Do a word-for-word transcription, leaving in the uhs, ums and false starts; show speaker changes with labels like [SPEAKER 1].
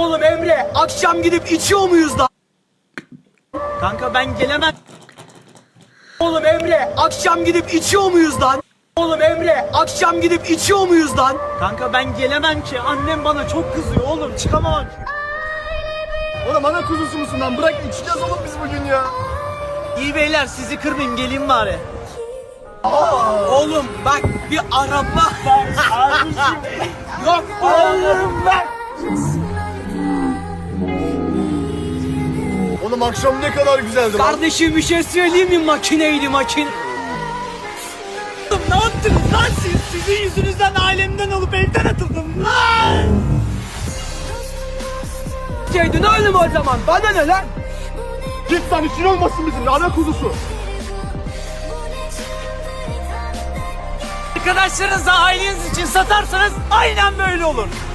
[SPEAKER 1] Oğlum Emre, akşam gidip içiyor muyuz lan?
[SPEAKER 2] Kanka ben gelemem.
[SPEAKER 1] Oğlum Emre, akşam gidip içiyor muyuz lan? Oğlum Emre, akşam gidip içiyor muyuz lan?
[SPEAKER 2] Kanka ben gelemem ki. Annem bana çok kızıyor oğlum. Çıkamam.
[SPEAKER 3] Oğlum ana kuzusu musun lan? Bırak içeceğiz oğlum biz bugün ya.
[SPEAKER 2] İyi beyler sizi kırmayayım geleyim bari.
[SPEAKER 1] Oğlum bak bir araba. Yok oğlum bak.
[SPEAKER 3] Oğlum akşam ne kadar güzeldi lan.
[SPEAKER 1] Kardeşim bir şey söyleyeyim mi? Makineydi makine.
[SPEAKER 2] Oğlum ne yaptınız lan siz? Sizin yüzünüzden ailemden olup evden atıldım lan.
[SPEAKER 1] Şeydi ne oğlum o zaman? Bana ne lan?
[SPEAKER 3] Git lan işin olmasın bizim ana kuzusu.
[SPEAKER 2] Arkadaşlarınızı aileniz için satarsanız aynen böyle olur.